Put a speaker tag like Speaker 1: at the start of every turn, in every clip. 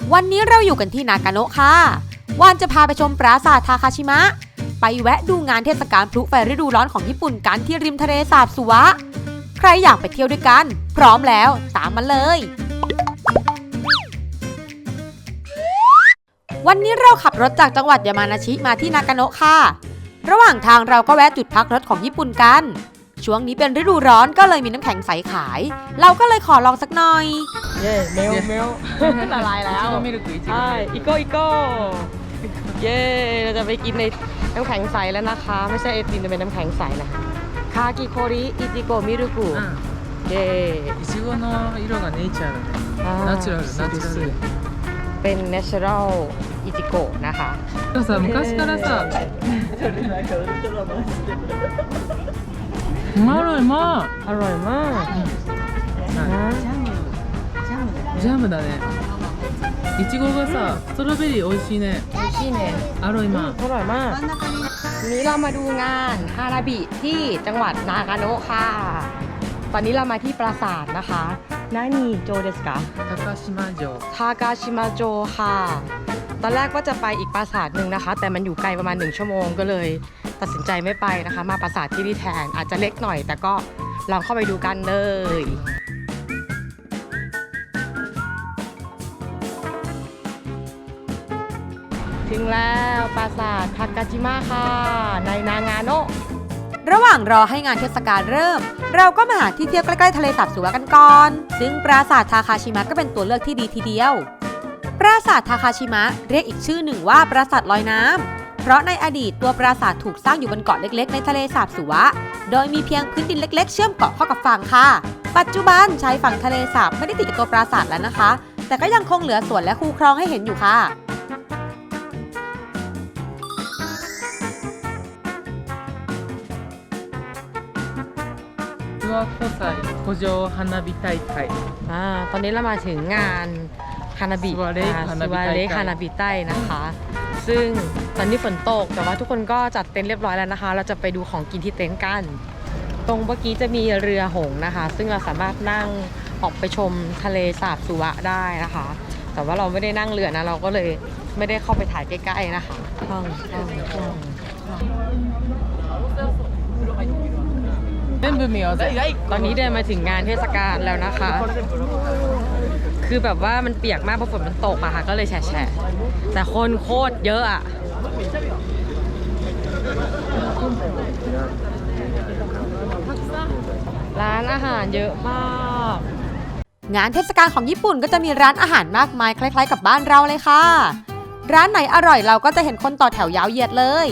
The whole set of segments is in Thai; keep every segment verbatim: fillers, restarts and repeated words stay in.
Speaker 1: วันนี้เราอยู่กันที่นากาโนะค่ะวานจะพาไปชมปราสาททาคาชิมะไปแวะดูงานเทศกาลพลุไฟฤดูร้อนของญี่ปุ่นกันที่ริมทะเลสาบสุวะใครอยากไปเที่ยวด้วยกันพร้อมแล้วตามมาเลยวันนี้เราขับรถจากจังหวัดยามานาชิมาที่นากาโนะค่ะระหว่างทางเราก็แวะจุดพักรถของญี่ปุ่นกันช่วงนี้เป็นฤดูร้อนก็เลยมีน้ำแข็งใสขายเราก็เลยขอลองสักหน่อย
Speaker 2: เย้เมลเมลละลายแล้วใช่อีโก้อีโก้เย้เราจะไปกินในน้ำแข็งใสแล้วนะคะไม่ใช่ไอติมจะเป็นน้ำแข็งใสนะคากิโคริอิจิโกะมิรุกุเย้
Speaker 3: いちごの色がネイチャーだねナチュラルナチュラル
Speaker 2: เป็น natural อิจิโกะนะคะ
Speaker 3: さ昔からさうまいま
Speaker 2: อร่อยมาก
Speaker 3: ジャムだねいちごがさストロベリー美味しいね
Speaker 2: 美味しいね
Speaker 3: อร่อยมาก
Speaker 2: อร่อยมากวันนี้เรามาดูงานฮานาบิที่จังหวัดนากาโนะค่ะตอนนี้เรามาที่ปราสาทนะคะนานี่โจเดสกะ
Speaker 3: 高島城
Speaker 2: ทากาชิมาโจค่ะตอนแรกก็จะไปอีกปราสาทหนึ่งนะคะแต่มันอยู่ไกลประมาณหนึ่งชั่วโมงก็เลยตัดสินใจไม่ไปนะคะมาปราสาทที่นี่แทนอาจจะเล็กหน่อยแต่ก็ลองเข้าไปดูกันเลยถึงแล้วปราสาททากาชิมะค่ะในนางาโนะ
Speaker 1: ระหว่างรอให้งานเทศกาลเริ่มเราก็มาหาที่เที่ยวใกล้ๆทะเลสาบสุวะกันก่อนซึ่งปราสาททาคาชิมะก็เป็นตัวเลือกที่ดีทีเดียวปราสาททาคาชิมะเรียกอีกชื่อหนึ่งว่าปราสาทลอยน้ำเพราะในอดีตตัวปราสาทถูกสร้างอยู่บนเกาะเล็กๆในทะเลสาบสุวะโดยมีเพียงพื้นดินเล็กๆเชื่อมเกาะเข้ากับฝั่งค่ะปัจจุบันชายฝั่งทะเลสาบไม่ได้ติดกับตัวปราสาทแล้วนะคะแต่ก็ยังคงเหลือสวนและคูคลองให้เห็นอยู่ค่ะ
Speaker 3: 諏訪湖西湖上花火大会
Speaker 2: อ่าตอนนี้เรามาถึงงานฮานาบิ
Speaker 3: ซิวาเรฮานาบิไต้
Speaker 2: ซิวาเรฮานาบิไต้นะคะซึ่งตอนนี้ฝนตกแต่ว่าทุกคนก็จัดเต็นท์เรียบร้อยแล้วนะคะเราจะไปดูของกินที่เต็นท์กันตรงเมื่อกี้จะมีเรือหงส์นะคะซึ่งเราสามารถนั่งออกไปชมทะเลสาบสุวะได้นะคะแต่ว่าเราไม่ได้นั่งเรือนะเราก็เลยไม่ได้เข้าไปถ่ายใกล้ๆนะคะห้องห้องห้องตอนนี้เดินมาถึงงานเทศกาลแล้วนะคะคือแบบว่ามันเปียกมากเพราะฝนมันตกอะค่ะก็เลยแฉะแต่คนโคตรเยอะอะร้านอาหารเยอะมาก
Speaker 1: งานเทศกาลของญี่ปุ่นก็จะมีร้านอาหารมากมายคล้ายๆกับบ้านเราเลยค่ะร้านไหนอร่อยเราก็จะเห็นคนต่อแถวยาวเหยียดเลย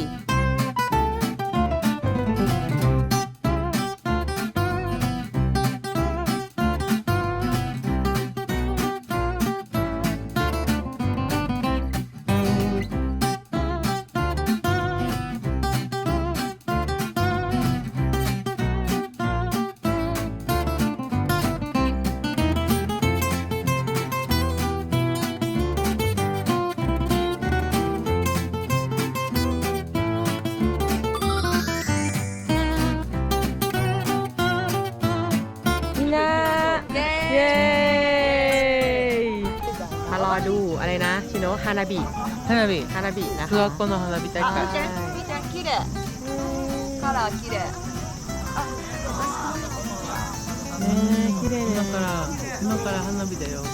Speaker 2: มารอดูอะไรนะชิโนะฮานาบิ
Speaker 3: 花火
Speaker 2: ฮานาบินะคะ
Speaker 3: 諏訪湖の花火大会
Speaker 4: 綺麗カラー綺麗
Speaker 2: ね綺麗
Speaker 3: 今から今から花火だよ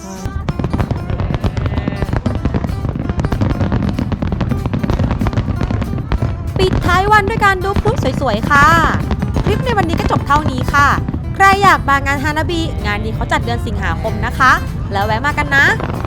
Speaker 1: ปิดท้ายวันด้วยการดูพลุสวยๆค่ะคลิปในวันนี้ก็จบเท่านี้ค่ะใครอยากมางานฮานาบิงานนี้เขาจัดเดือนสิงหาคมนะคะแล้วแวะมากันนะ